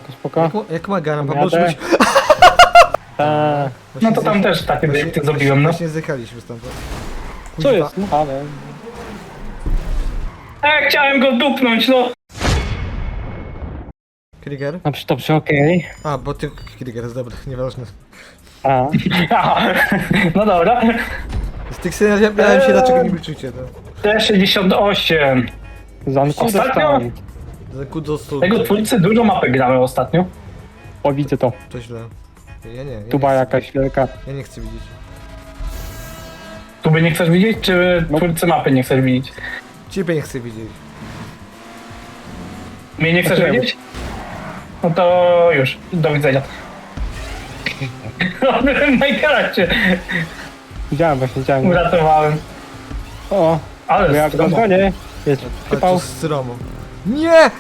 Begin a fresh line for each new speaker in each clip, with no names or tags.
spoko.
Jak Magana, bo
Jadę.
może być...
Tak.
No to tam też takie obiekty zrobiłem, no.
Właśnie zjechaliśmy stamtąd.
Co jest? No ale...
Chciałem go dupnąć, no.
Krieger?
Dobrze, okej.
A, bo ty... Krieger jest dobry, nieważne.
A,
No dobra.
Z tych scenariuszy miałem się, dlaczego nie wyczucie, no.
T68.
zanku
Ostatnio?
dostałem.
Za kudosu...
Tego twórcy dużo mapy gramy ostatnio.
O, widzę to.
To źle. Ja nie
Tuba
chcę,
jakaś wielka.
ja nie chcę widzieć.
Tu by nie chcesz widzieć, czy
No.
twórcy mapy nie chcesz widzieć?
Ciebie nie chcę widzieć.
Mnie nie chcesz
Okej.
widzieć? No to już, do widzenia. Michaela cię
Widziałem właśnie, widziałem.
uratowałem.
O,
Ale
bo ja
stromo.
dzwonię. Jest,
Ale to
przypał.
stromo. Nie!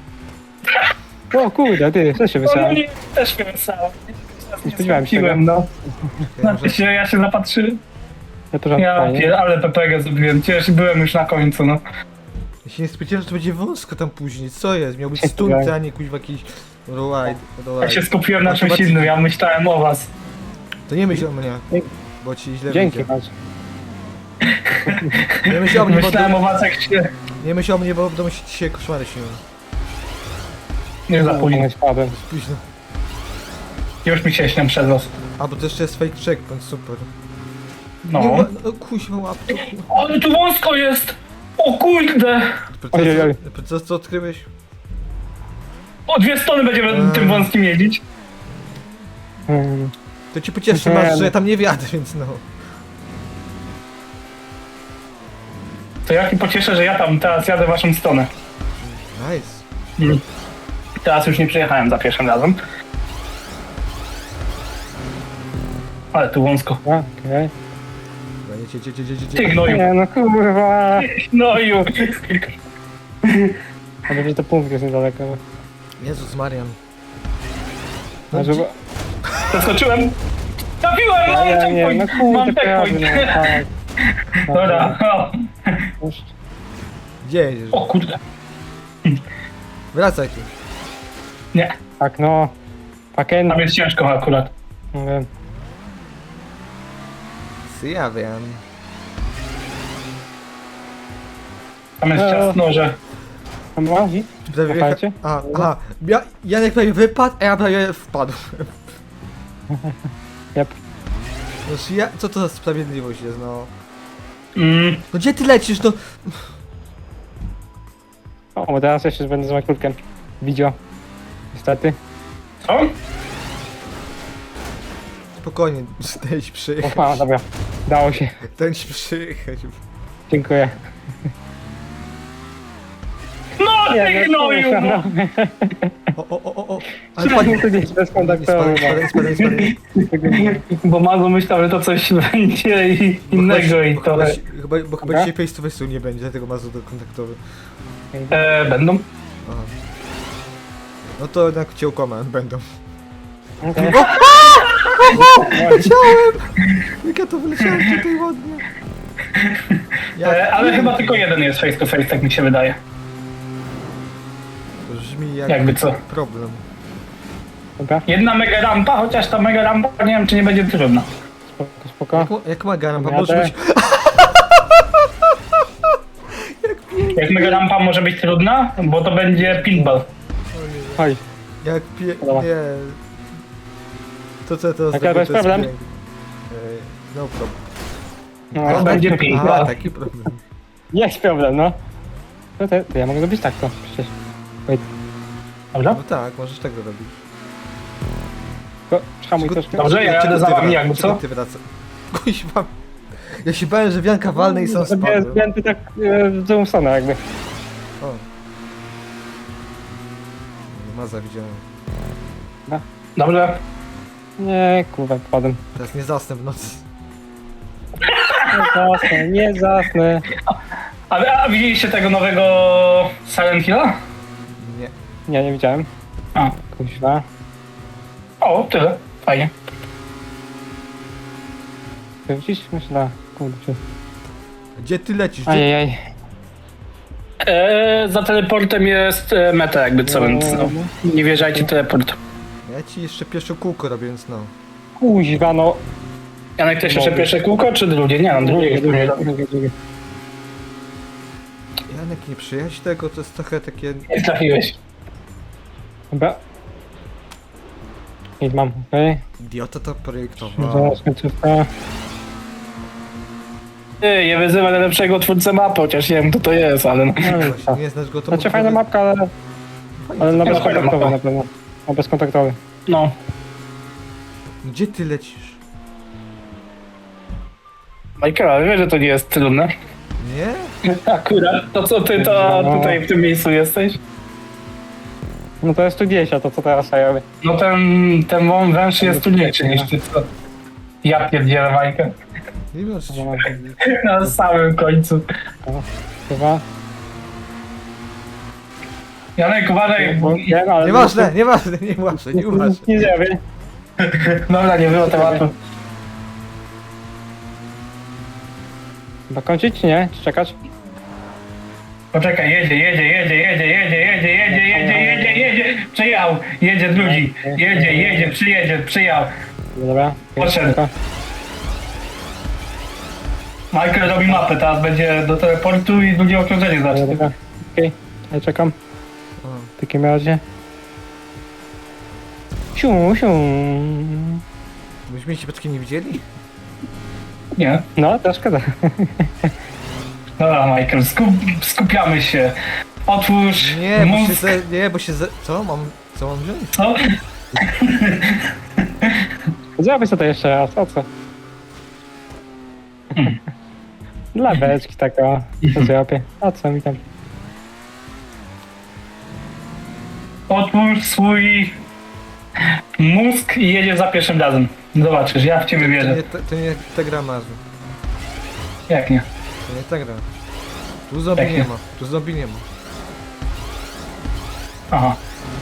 O kurde, ty, co się
No,
wysłałem?
nie, też mnie wysłałem.
Nie spodziewałem się
Piłem, no.
Ja może...
Ja się zapatrzyłem.
Ja to żart
Ja
fajnie.
ale PPG zrobiłem. Cieszę, byłem już na końcu, no.
Ja się nie spodziewałem, że to będzie wąsko tam później. Co jest? Miał być
Się
stunty, a
spodziewałem.
nie kuźwa jakiś... Ride.
Ja się skupiłem na czymś
Automatycznie.
innym, ja myślałem o was.
To nie myśl o mnie,
Dzięki.
bo ci źle
Dzięki,
wyjdzie.
masz.
Nie myśl o mnie, bo...
Myślałem o was, jak się...
Nie myśl o mnie, bo w domu się dzisiaj koszmary śnią.
Nie za późno.
Nie spadłem.
Późno.
Już mi się śnią przez was.
A, bo to jeszcze jest fake checkpoint, super.
No.
Nie, no kuźwa łapkę.
Ale tu wąsko jest! O kurde!
Ojej.
Co odkryłeś?
O 2 strony będziemy tym wąskim jeździć.
To ci pocieszy,
Nie,
masz,
no.
że ja tam nie wjadę, więc no.
To ja się pocieszę, że ja tam teraz jadę w waszą stronę.
Nice.
Teraz już nie przyjechałem za pierwszym razem. Ale tu wąsko.
Okej.
Dobra, jedź.
Ty gnoju.
Nie no kurwa.
Gnoju.
A będzie to punkt jest niedaleko.
Jezus Marian.
No, żeby...
Zaskoczyłem. Trafiłem, mam
Ja nie, no
checkpoint. Mam
kurde, prawie,
checkpoint.
no tak.
Dobra. O.
Już.
Gdzie jedziesz?
O kurde.
Wracaj tu.
Nie,
Tak no. Paken.
tam jest ciężko akurat.
Nie wiem.
Ja wiem.
Tam jest ciasno, że...
Tam łazi?
Prawie
Słuchajcie?
Aha. Janek prawie wypadł, a ja prawie wpadł.
Jep.
Znaczy ja... Co to za sprawiedliwość jest, no?
Mm,
No gdzie ty lecisz, no?
O, bo teraz jeszcze będę z Michaelkiem. Widzio. Niestety.
co?
Spokojnie, ten ci
O,
przyjechać.
dobra. Dało się.
Ten ci przyjechać.
Dziękuję.
No ty gnoju!
kurwa,
No.
O. Ale
Spadnie
padnie.
tu gdzieś bezkontaktowy.
Spadaj.
Bo Mago myślał, że to coś będzie innego i to...
Chyba
Dobra.
dzisiaj face to face nie będzie, dlatego masz do kontaktowy.
Będą.
Aha. No to jednak cię ukłamałem, będą.
Okay.
Chciałem! Jak ja to wyleciałem tutaj ładnie.
Ale chyba tylko jeden jest face to face, tak mi się wydaje.
To brzmi jak
Jakby co.
problem.
Dobra,
Jedna mega rampa, chociaż ta mega rampa nie wiem, czy nie będzie trudna.
spoko.
Jak Magana, bo
Jadę.
może być...
Jak mega rampa może być trudna, bo to będzie pinball.
Oj,
Jak
Dobra.
Nie. To co to
Jaka to jest problem?
No problem.
no,
To będzie
A,
pinball.
taki problem.
jest problem, no. To ja mogę zrobić tak to, przecież. Wait,
Dobrze?
No tak, możesz tego robić.
tylko hamuj troszkę.
Dobrze, ja jadę za wami, jakby co?
Ty wracasz. Kuźwa. Ja się bałem, że wianka walne i sam
Sobie
spadłem.
zdjęty tak w drugą stronę jakby.
O. Maza widziałem.
Dobrze.
Nie, kurwa, wpadłem.
Teraz nie zasnę w nocy.
Nie zasnę.
A widzieliście tego nowego Silent Hilla?
Nie.
Nie widziałem.
A.
Kuźwa.
O, tyle. Fajnie.
Ty widzisz? Myślę, kurczę.
Gdzie ty lecisz?
Ajajaj.
Za teleportem jest meta jakby co, więc no, nie wierzajcie teleport.
Ja ci jeszcze pierwsze kółko robię, więc no.
Kuźwa, no.
Janek, też jeszcze pierwsze kółko, czy drugie? Nie, no drugie.
Janek, nie przyjaźń tego, to jest trochę takie...
Nie trafiłeś.
Dobra. I mam, okej.
Idiota to projektował.
Zaraz końcówka.
Ty, nie wyzywaj najlepszego twórcę mapy, chociaż nie wiem kto to jest, ale no.
No i
Właśnie, nie znasz go, to
Znaczy
mógł
fajna
powie-
mapka, ale na
Fajna
bezkontaktowy
mapa.
na pewno. Na bezkontaktowy.
No.
Gdzie ty lecisz?
Michael, ale wiesz, że to nie jest trudne.
Nie?
Akurat, to co ty to tutaj w tym miejscu jesteś?
No to jest tu 10, to co teraz ja robię.
No ten węż jest trudniejszy niż ty, co? Ja pierdzielę Michael.
Nie wiem, czy...
Na samym końcu.
Chyba.
Janek, uważaj, bo...
Wiem, ale
Nieważne, nieważne.
Nie zrobię.
Dobra, nie było tematu.
Chyba kończyć, czy nie? Czy czekać?
Poczekaj, jedzie. Przyjechał, jedzie drugi. Jedzie, przyjechał.
Dobra.
Poszedł.
Tylko.
Michael robi mapę, teraz będzie do teleportu i drugie okrążenie zacznie.
Dobra. Okej, ja czekam. W takim razie. Siu.
Myśmy się przypadkiem nie widzieli?
Nie?
No, to szkoda.
Dobra, Michael, skupiamy się. Otwórz
Nie, bo się
mózg.
nie, bo się Co mam wziąć?
Co?
Zrobię sobie to jeszcze raz, o co? Dla beczki taka, to zrobię. A co mi tam?
Otwórz swój mózg i jedzie za pierwszym razem. Zobaczysz, ja w ciebie wierzę.
To nie ta gra, Marzu.
Jak nie?
To nie ta gra. Tu zombie
Tak
nie
nie.
ma. Tu zombie nie ma.
Aha.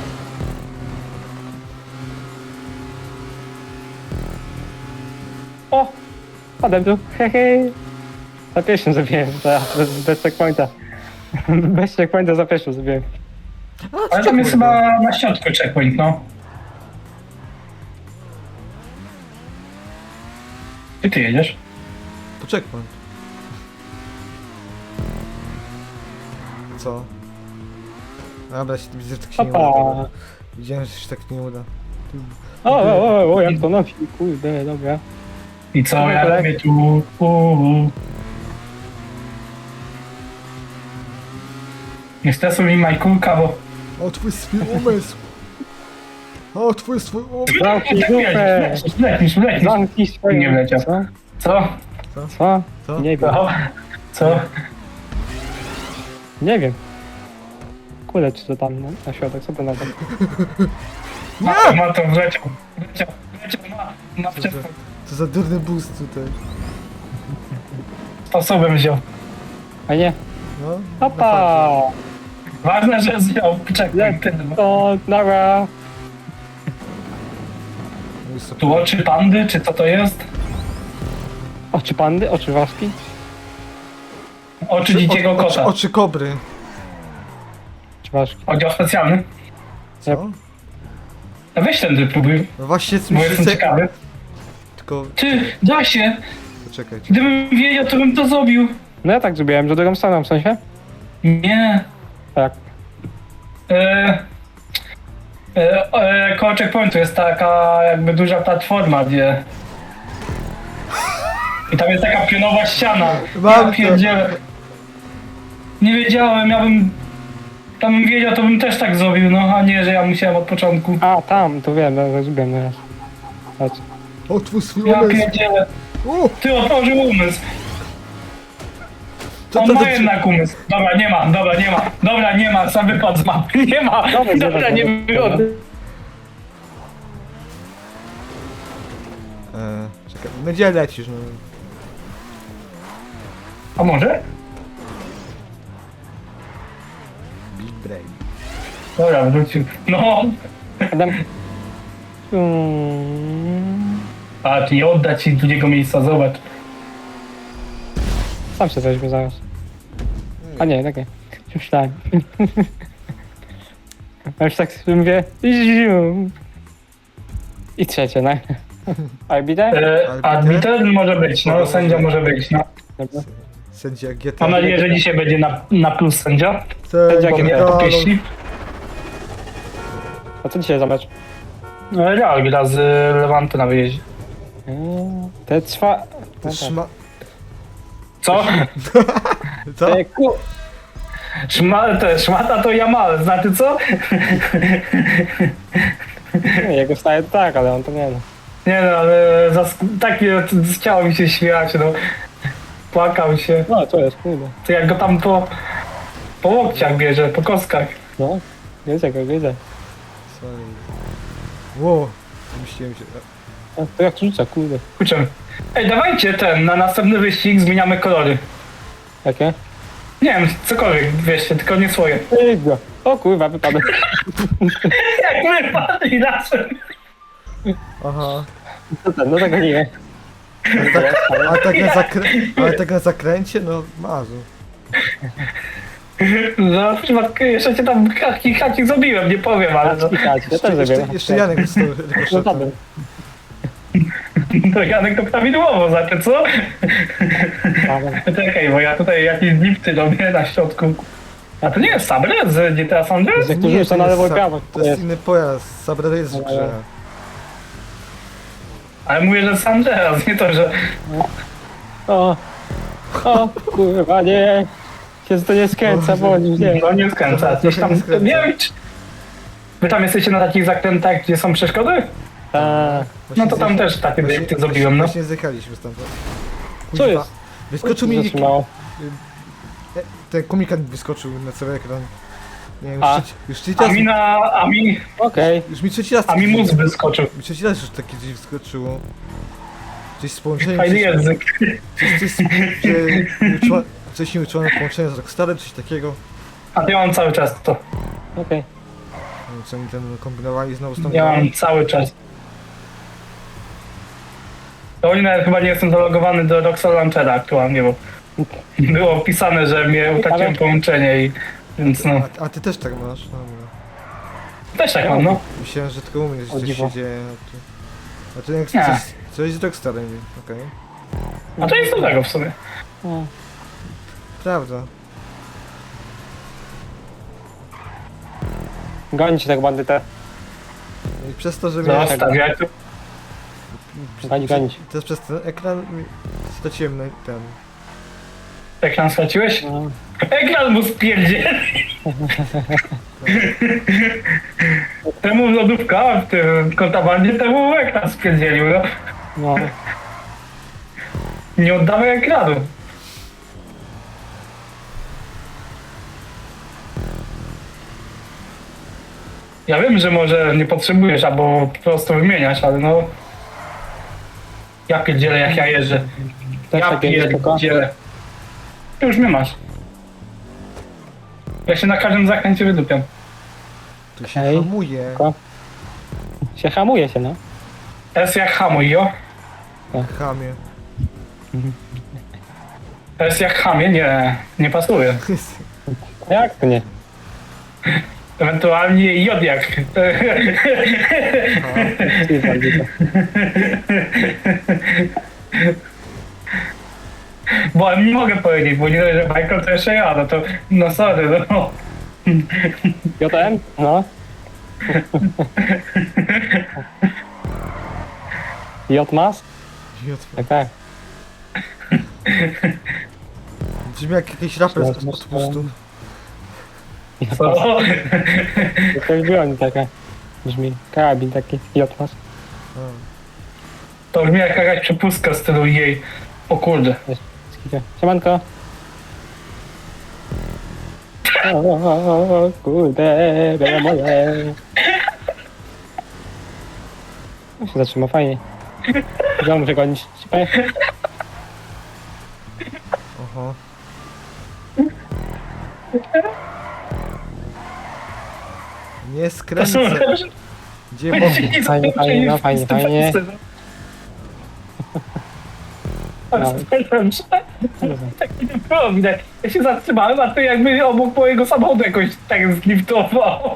O! Padłem tu, hehe. Za pierwszym zrobiłem, bez checkpointa. Bez checkpointa za pierwszym zrobiłem.
Ale tam jest chyba na środku checkpoint, no. Gdzie ty jedziesz?
To checkpoint. Co? Dobra, widzę, że tak się nie uda.
Opa!
Dobra. Widziałem, że się tak nie uda.
O, jak to nosi, kurde, dobra.
I co,
Dobra,
ja
tak.
robię tu... Nie stresuj mi Majkulka, bo...
Otwórz swój umysł! Otwórz swój umysł!
Zamknij
Tak
dupę!
Lecisz.
Zamknij swoją...
Nie wleciał.
Co?
Co?
Co?
Co?
Nie wiem,
Co?
nie wiem. Kule, czy to tam na środek, co to na tym?
Ma to wleciał, ma
Co za, co za durny boost tutaj.
sposobem wziął.
A nie.
No.
Opa!
Ważne, że wziął, czekaj, tyle.
To, dobra.
Tu oczy pandy, czy co to jest?
Oczy pandy, oczy waski.
Oczy dzikiego kota.
Oczy kobry.
Oczy ważki.
Oddział specjalny.
Co?
A weź ten próbuj,
No właśnie,
bo jestem ciekawy.
Tylko...
Ty, da się!
Poczekaj.
Gdybym wiedział, to bym to zrobił.
No ja tak zrobiłem, że drugą stroną, w sensie?
Nie.
Tak.
Koło checkpointu jest taka jakby duża platforma, gdzie... I tam jest taka pionowa ściana.
Mam to.
Pierdzielę. Nie wiedziałem, tam bym wiedział, to bym też tak zrobił, no a nie, że ja musiałem od początku.
A, tam, to wiem, ja zrobiłem teraz. Chodź.
Otwórz swój
Ja
umysł!
pierdzielę.
O!
Ty otworzył umysł.
Co
On
to
ma
za...
jednak umysł. Dobra, nie ma, sam wypadł z mapy. Nie ma, dobra, nie było.
Czekaj, no gdzie lecisz, no?
A może?
Big brain.
Dobra, wrócił. No,
Adam.
a nie odda ci drugiego miejsca, zobacz.
Sam się weźmie zaraz. A nie, tak nie. Myślałem. A już tak sobie mówię... ziu. I trzecie, no. Arbiter?
Arbiter może być, no sędzia może być, no.
Dobra.
Sędzia GTA.
Mam nadzieję, że dzisiaj będzie na plus sędzia.
Sędzia
Mamy
GTA.
Realu.
Pieśni.
A co dzisiaj za mecz?
Real gra z Levantu na wyjeździe.
Te trwa...
To szma...
Co?
Co?
Te ku...
Szmata to Jamal, znaczy co?
Nie, jego staje to tak, ale on to nie no.
Nie no, ale takie chciało mi się śmiać, no. Płakał się.
No, to jest, kurde.
To jak go tam po łokciach bierze, po kostkach.
No, widzę go, widzę.
Sorry. Wow. Myślałem się...
A to jak rzuca, kurde.
Kurczę. Ej, dawajcie na następny wyścig zmieniamy kolory.
Jakie?
Nie wiem, cokolwiek, wieście, tylko nie swoje.
Ej, go. O kurwa, wypadek.
Jak my padli razem.
Aha.
No ten, no tego nie.
Ale tak na zakręcie? No, mazu.
No, w przypadku jeszcze cię tam hacik zrobiłem, nie powiem, ale no,
Ja też zrobiłem.
Jeszcze Janek z tego
No
rykoszeta.
żaden.
to Janek to prawidłowo, znaczy co? Czekaj, bo ja tutaj jakieś drifty robię na środku. A to nie jest Sabre z GTA San Andreas?
Jak to rzuca na lewo i prawo.
To jest inny pojazd. Sabre jest w grze.
Ale mówię, że San Andreas, nie to, że...
O, kurwa, nie. Się to nie skręca, bo nie.
No nie skręca, coś tam...
Nie skręca.
Nie wiem, czy... Wy tam jesteście na takich zakrętach, gdzie są przeszkody?
A,
No to tam też takie drifty zrobiłem, no.
Właśnie zjechaliśmy stamtąd.
co jest?
Wyskoczył mi...
Zatrzymało.
Ten komunikat wyskoczył na cały ekran. Nie wiem,
A.
już trzeci raz...
Okej.
Już mi trzeci raz...
A mi mózg wyskoczył.
Mi trzeci raz już takie gdzieś wyskoczyło. Gdzieś z połączeniem...
Fajny język.
Coś nieuczone połączenie z Rockstarem, coś takiego.
A ja mam cały czas to.
Okej.
Nie wiem, co oni tam kombinowali znowu z tą
Ja
grą.
mam cały czas. To oni nawet chyba nie jestem zalogowany do Rockstar Launchera aktualnie, bo było opisane, że mnie utraciłem połączenie i... Więc no,
A ty też tak masz? No, no.
też tak mam, no.
Myślałem, że tylko u mnie
O
coś
dziwo.
się dzieje. A tu jak
Nie.
coś z Rockstarem, okej.
A to jest dobrego w sumie.
Prawda.
Gonić tego bandytę.
I przez to, że mnie...
Zostawiać tu.
Gonić.
Też przez ten ekran straciłem na ten...
Ekran straciłeś?
No.
Ekran mu spierdzieli. Temu lodówka w tym kontabandzie, temu ekran spierdzielił, no.
No.
Nie oddawaj ekranu. Ja wiem, że może nie potrzebujesz albo po prostu wymieniać, ale no... Ja pierdzielę jak ja jeżdżę.
Też
Ja
takie spoko.
pierdzielę. Ty już mnie masz. Ja się na każdym zakręcie wydupiam.
Tu się
Okej.
hamuje.
Spoko. Się hamuje się, no.
S jak hamuj, jo.
Chamie.
S jak hamie, nie pasuje.
Jak to nie?
Ewentualnie J jak...
Ty bandyta.
Bo nie mogę powiedzieć, bo nie dość, że Michael to jeszcze ja, no to... No sorry, no.
JM? No. Jotmas? Tak, tak.
Brzmi jak jakiś raper z
Masz
odpustu.
Co?
To jest broń taka. Brzmi. Karabin taki. Jotmas.
To brzmi jak jakaś przepustka z stylu jej. O kurde.
Skicie. Siemanko. O, kurde, bele moje. No się zatrzyma, fajnie. Ja muszę gonić.
Oho. Nie
To są
skręcę. Gdzie
Będzie
mogę?
nie
Fajnie,
zakończenie
fajnie, no,
w
fajnie,
tym
fajnie.
miejscu, no. Tak nie było widać. Ja się zatrzymałem, a to jakby obok mojego samochodu jakoś tak zliftował.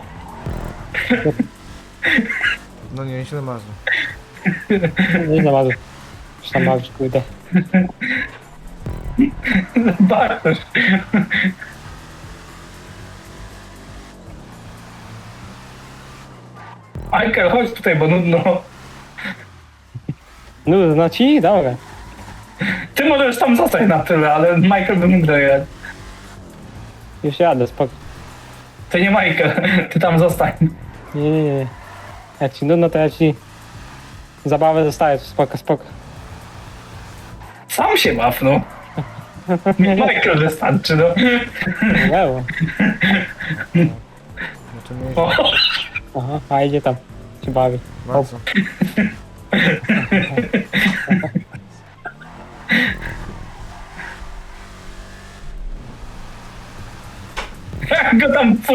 No nie, źle marzę.
Nie znalazł. Już tam masz, kurde.
Bartosz. Michael, chodź tutaj, bo nudno.
No ci? Dobra.
Ty możesz tam zostać na tyle, ale Michael by mógł dojechać.
Już jadę, spoko.
To nie Michael, ty tam zostań.
Nie. Jak ci nudno, to ja ci zabawę zostaję, spoko, spoko.
Sam się baw, no. Mi Michael wystarczy, no.
Lewo.
No to nie
O,
Aha, a idzie tam. Się bawi.
bardzo.
jak go tam pod...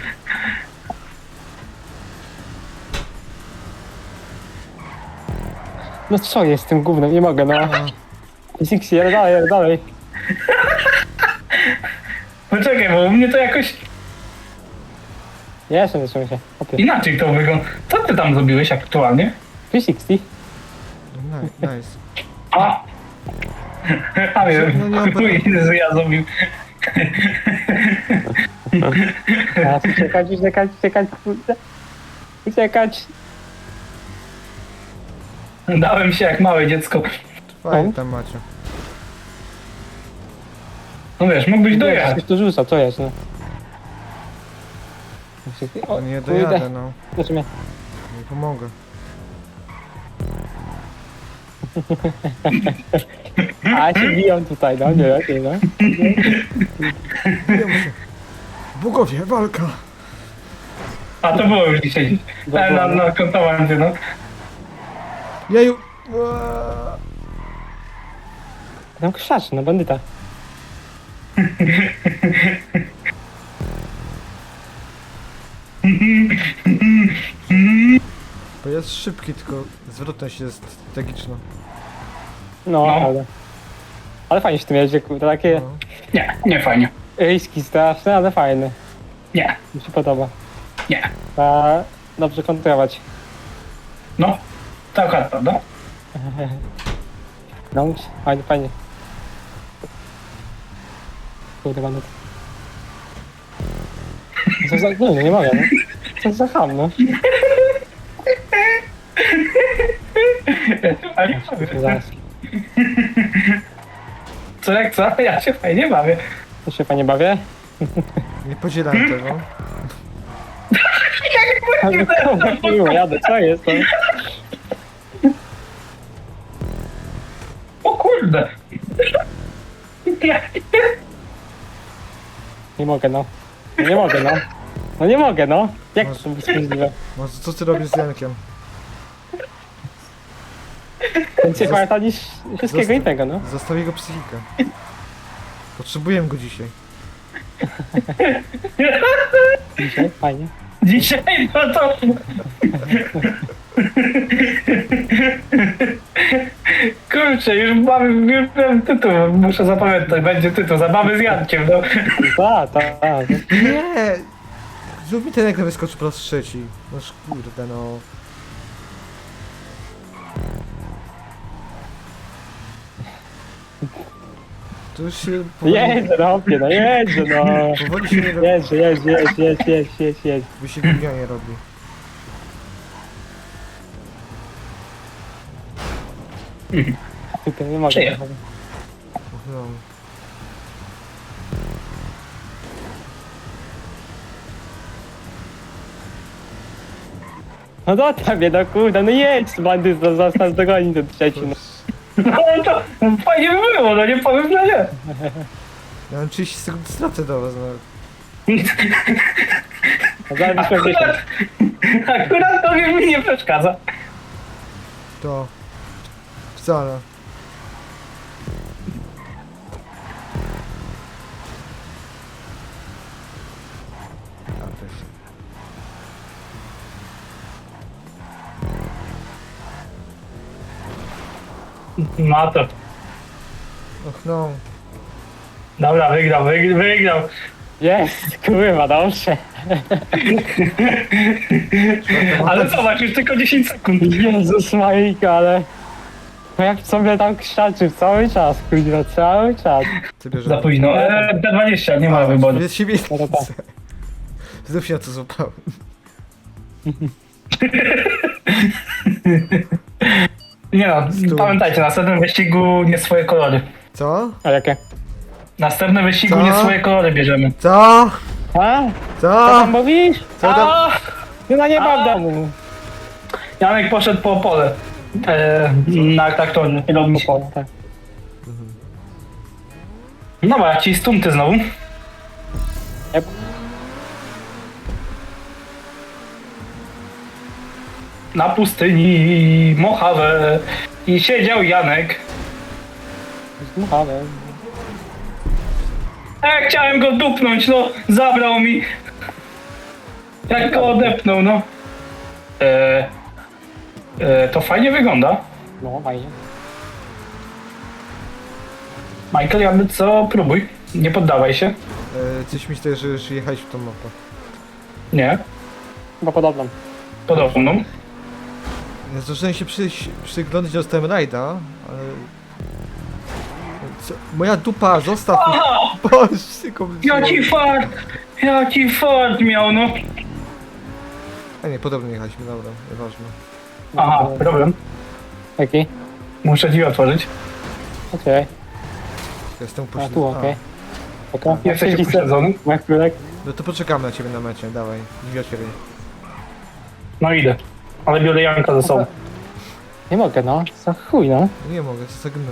No co jest z tym gównem? Nie mogę, no. Sixi, jadę dalej, jadę dalej.
Poczekaj, bo u mnie to jakoś
Ja jeszcze zacząłem się. Opie.
inaczej to wygląda. Co ty tam zrobiłeś aktualnie?
360.
Nice.
A! A wiem,
No nie mam
Jezu, ja zrobił.
Teraz uciekać, kurde. Uciekać.
Dałem się jak małe dziecko.
Fajnie tam macie.
No wiesz, mógłbyś dojechać.
Ktoś tu rzuca, co jest, no. O,
Nie
kurde.
dojadę, no.
Znaczy mnie.
Nie pomogę.
A się biją tutaj, no, nie lepiej, no.
Biją się. Bogowie, walka.
A to było już dzisiaj. Na kontowancie, no.
Jeju.
Tam krzaczy, no bandyta.
Bo jest szybki, tylko zwrotność jest tragiczna.
No,
No.
ale fajnie się tym jeździ, kurde, takie
No.
Nie, nie fajnie.
riski straszne, ale fajne.
Nie,
Mi się podoba.
nie.
Trzeba dobrze kontrolować.
No, to akurat prawda.
No, fajnie, fajnie. Kurde, bandyta. Co za... nie mogę, no. Co za ham, no.
Ale
Zaraz.
co jak co? Ja się fajnie bawię.
To się fajnie bawię.
Nie podzielam tego.
Ale kurwa, miło, jadę, co jest to?
O kurde.
Nie mogę, no. No nie mogę, no. No nie mogę, no. Jak to jest możliwe?
No co ty robisz z Jankiem?
Więcej pamięta niż wszystkiego innego, no.
Zostaw jego psychikę. Potrzebuję go dzisiaj.
Dzisiaj, fajnie.
Dzisiaj no to... Kurczę, już mam tytuł, muszę zapamiętać, będzie tytuł, zabawy z Jankiem, no.
Tak.
Nie! Zrób mi ten jak wyskoczy po raz trzeci. No kurde, no. To już się
Jedzie, no, opie, no, jedzie, no.
powoli się nie robi.
Jedź.
Bo się gównianie robi.
Tutaj nie mogę.
Przyjechał.
No.
No do tobie, no kurde, no jedź, bandy, został dogonić ten trzeci, no.
No to fajnie by było, no nie powiem, że nie.
Ja mam 30 sekund stracę do was, no.
A zaraz byśmy gdzieś tam.
Akurat to mi nie przeszkadza.
To... Wcale. A, też.
No to
Och no.
Dobra, wygrał.
Jest, kurwa, dobrze.
Ale zobacz, już tylko 10 sekund.
Jezus Marika, ale... No jak sobie tam krzaczył cały czas, kurwa, cały czas.
Ty bierzesz.
Za późno. D20, nie ma wyboru.
Jest siebie.
No to tak.
Znów się na to złapałem.
Nie no,
Stój.
pamiętajcie, w następnym wyścigu nie swoje kolory.
Co?
A jakie?
Następny wyścigu
Co?
nie swoje kolory bierzemy.
Co?
A? Co
Co?
tam mówisz?
Co tam?
A!
No na nie ma w
A.
domu.
Janek poszedł po pole. Na traktorze. Robić.
Tak.
Dobra, ci stunty znowu.
Yep.
Na pustyni Mojave i siedział Janek.
Zmuchałem.
Chciałem go dupnąć, no, zabrał mi. Jak go odepnął, no. To fajnie wygląda.
No, fajnie.
Michael, jakby co, próbuj. Nie poddawaj się.
Coś mi się że już jechałeś w tą mapę.
Nie,
Chyba podobną.
podobną.
Ja zdążyłem się przyglądać, dostałem rajda, ale... Co? Moja dupa, zostaw mnie. Boże, tylko...
Jaki fart miał, no.
A nie, podobnie jechaliśmy, dobra, nieważne.
Aha, problem.
Jaki?
Muszę drzwi otworzyć.
Okej.
Jestem
A
upośledzony.
tu, okej. Okej.
Jesteś upośledzony?
Na chwilek.
No to poczekamy na ciebie na mecie, dawaj, drzwi otwieraj.
No idę. Ale biorę Janka ze sobą.
Nie mogę, no. Za chuj, no.
Nie mogę, zagnąłem.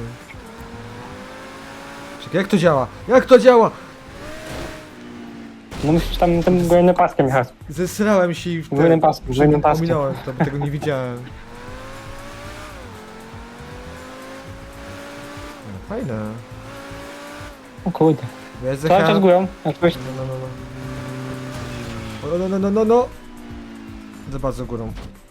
Czekaj, jak to działa? Jak to działa?
No musisz tam tym górnym paskiem jechać.
Zesrałem się i w
Górnym pasku, górnym paskiem.
Pominąłem to, bo tego nie widziałem. No, fajne.
O kurde.
Ja
Cały czas
zjechałem...
górą. Jak coś...
No. Za bardzo górą.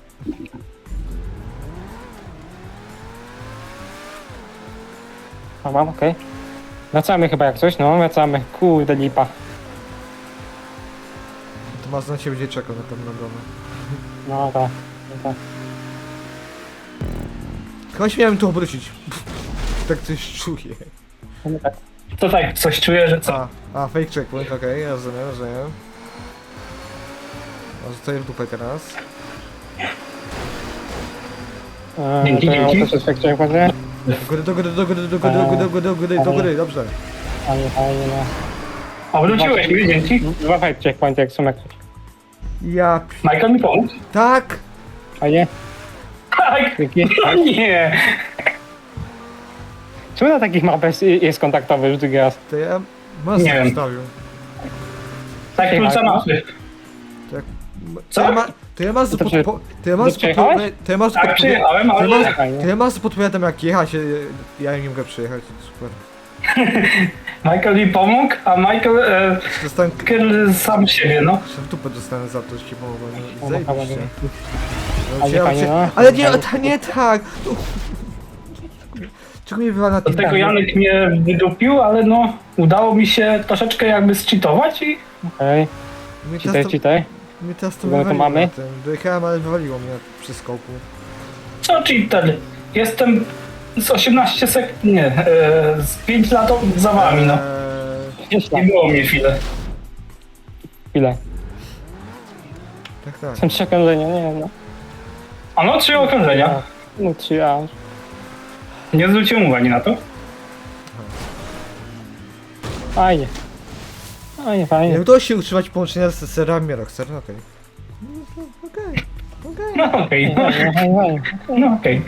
A mam, okej. Wracamy chyba jak coś, no wracamy. Kurde lipa.
To Mazda na ciebie będzie czekał na pewno dole.
No tak. No tak.
Chyba się miałem tu obrócić. Tak coś czuję.
No tak.
To tak, coś czuję, że co?
Fake checkpoint, okej, rozumiem. A zostaję w dupę teraz.
Dzięki,
to ja
dzięki.
też jest jak chciałem powiedzieć.
Do góry, dobrze.
Fajnie, fajnie, no.
Obróciłeś mnie, dzięki.
Dwa fight checkpointy jak są jak coś.
Ja...
Michael mi pomógł.
Tak!
Fajnie.
Tak!
Dzięki.
No nie!
Czemu na takich mapach jest kontaktowy już drugi raz?
To ja...
Nie
Mazda
wiem.
wstawił.
Tak, klucza mapy. Co?
To ja Mazda
To czy- przyjechałeś?
Tak, przyjechałem, ale...
Fajnie.
To ja Mazda podpowiadam jak jechać, ja nie mogę przyjechać, super.
Michael mi pomógł, a Michael
Dostałem...
sam siebie, no.
W dupę dostanę za to, że ci pomogłem.
O,
Zajebiście.
fajnie.
No,
Fajnie, fajnie, no.
Ale nie tak! Czego mnie wywala na
Do
tym?
tego Janek mnie wydupił, ale no... Udało mi się troszeczkę jakby zcheatować i...
Okej.
Mnie
Czytaj,
teraz to,
czytaj.
mnie teraz to
Bo my to
wywaliło
mamy?
na tym. Dojechałem, ale wywaliło mnie przy skoku.
Co cheater? Jestem z 18 sekund... Nie, z 5 lat za wami, no.
Gdzieś
Nie
tam.
było mnie chwilę.
Chwilę.
Tak.
Są trzy okrążenia, nie wiem, no.
A no, 3 okrążenia.
No 3 aż.
Nie zwróciłem uwagi na to.
Fajnie. Fajnie,
Nie
fajnie.
udało się utrzymać połączenia z serami Rockstar, okej. Okej.
No okej,
Fajnie, fajnie, fajnie.
no okej.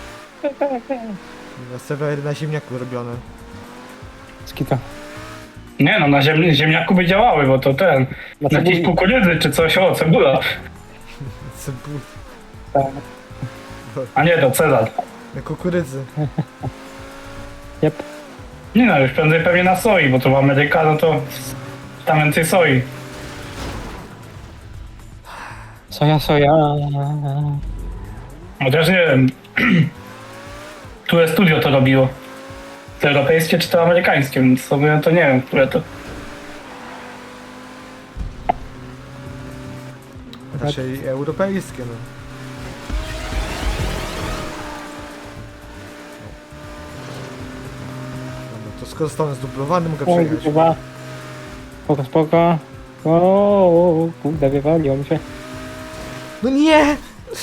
Serwery na ziemniaku robione.
Skito.
Nie no, na ziemniaku by działały, bo to ten...
Na
Na jakiejś
cebuli.
kukurydzy czy coś, o, cebula.
Cebul.
Tak.
A nie, to Cezar.
Na kukurydzy.
Jep.
Nie no, już prędzej pewnie na soi, bo to w Ameryka, no to tam więcej soi.
Soja, soja.
Chociaż nie wiem, które studio to robiło. to europejskie czy to amerykańskie, więc sobie to nie wiem, które to.
Raczej europejskie, no. Dobra, to skoro zostanę zdublowany, mogę
Oj,
przejechać.
chyba. Spoko, spoko. O, kurde, wywaliło mi się.
No nie!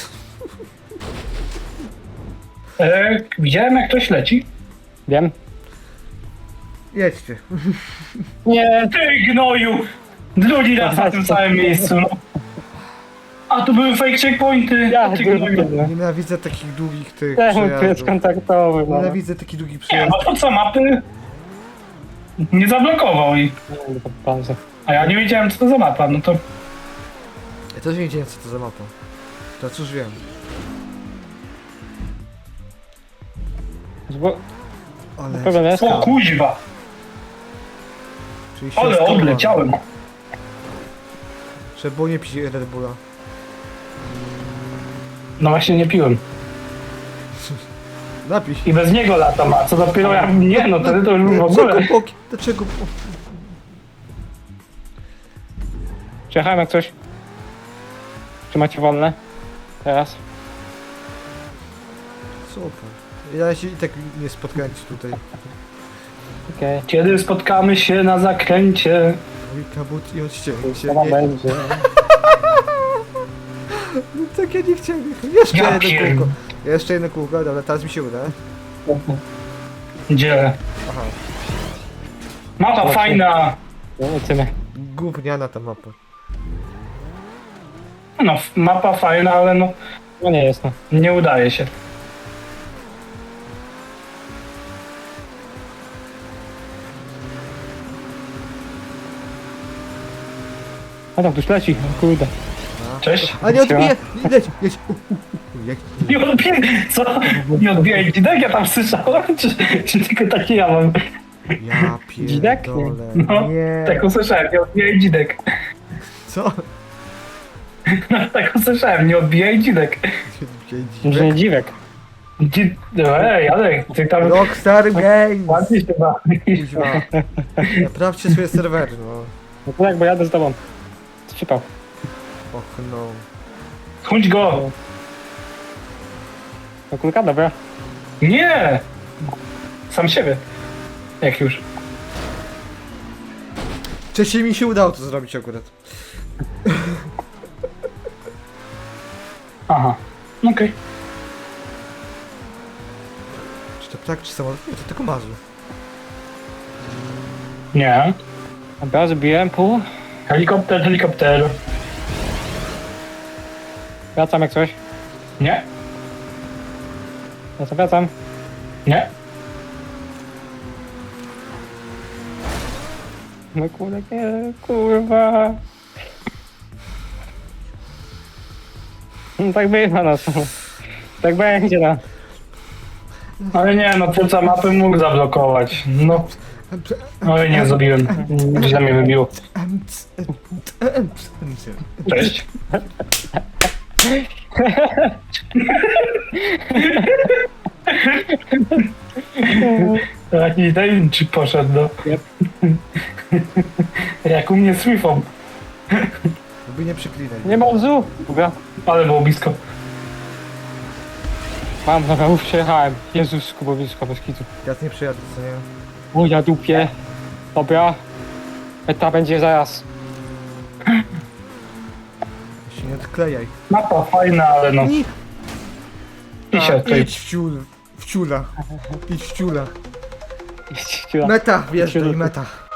Widziałem jak ktoś leci.
Wiem.
Jedźcie.
Nie,
Ty gnoju! Drugi raz na tym samym miejscu, no. A tu były fake checkpointy!
ja
Ty gnoju.
Nienawidzę takich długich tych
Temu tu jest
przejazdów.
kontaktowy, no.
Nienawidzę takich długich
Nie,
przejazdów.
no to co, mapy? Nie zablokował i...
Pauza.
A ja nie wiedziałem co to za mapa, no to...
Ja też nie wiedziałem co to za mapa. To cóż wiem.
Bo
Ale...
problem jest.
O kuźwa!
Czyli się
Ale
skapałem.
odleciałem!
Trzeba było nie pić Red Bulla.
No właśnie nie piłem.
Napij się.
I bez niego latam, a co dopiero jak nie, no wtedy to już w ogóle...
Dlaczego boki? Dlaczego?
Przyjechałem jak coś. Czy macie wolne? Teraz.
Super. Ja się i tak nie spotkałem ci tutaj.
Okej.
Kiedy spotkamy się na zakręcie?
Mój kabut i odcięcie.
Co tam
Nie,
będzie?
no tak ja nie chciałem. Jeszcze
Ja
jedno
pierd-
kółko. Jeszcze jedno kółko, dobra, teraz mi się uda.
Gdzie?
Aha.
Mapa fajna!
Lecimy.
Gówniana ta mapa.
No, mapa fajna, ale no,
No nie jest, no.
nie udaje się.
A tam ktoś leci, o kurde.
Cześć.
A nie odbije! Leć, jedź. Jak...
Nie odbijaj, co? Nie odbijaj dzidek, ja tam słyszałem, czy tylko taki ja mam?
Ja
Dzidek?
pierdolę.
No,
Nie.
tak usłyszałem, nie odbijaj dzidek.
Co?
No, tak usłyszałem, nie odbijaj dzidek.
Może nie dziwek.
Ej, ale ty tam
Rockstar Games!
ładnie się bawisz.
Kuźwa. Naprawcie swoje serwery, no.
No to jak, bo jadę z tobą. Przypał.
Och no.
Chodź go!
No kulka, dobra.
Nie! Sam siebie. Jak już.
Wcześniej mi się udało to zrobić akurat.
Aha. Okej.
Czy to ptak, czy samolot? Nie, to tylko marzy.
Nie.
Dobra, zrobiłem pół.
Helikopter, helikopter.
Wracam jak coś.
Nie.
Wracam.
Nie.
No kurde, nie, kurwa. No tak bywa, no. Tak będzie, no.
Ale nie, no twórca mapy mógł zablokować. No. Ale nie zrobiłem. Źle mnie wybiło. Cześć. Taki tajemniczy poszedł, no.
Yep.
Jak u mnie z Swifą.
Żeby nie przyklinaj.
Nie ma łzu. Dobra.
Ale było blisko.
Mam, dobra, już przejechałem. Jezus, było blisko, bez kitu.
Teraz nie przejadę, co nie?
O, ja dupie. Dobra. Eta będzie zaraz.
Się nie odklejaj.
Mapa fajna, ale no.
Nie.
I się tutaj.
Idź w ciul. W ciula. Idź w ciula.
Idź, ciula.
Meta, wjeżdżaj, meta.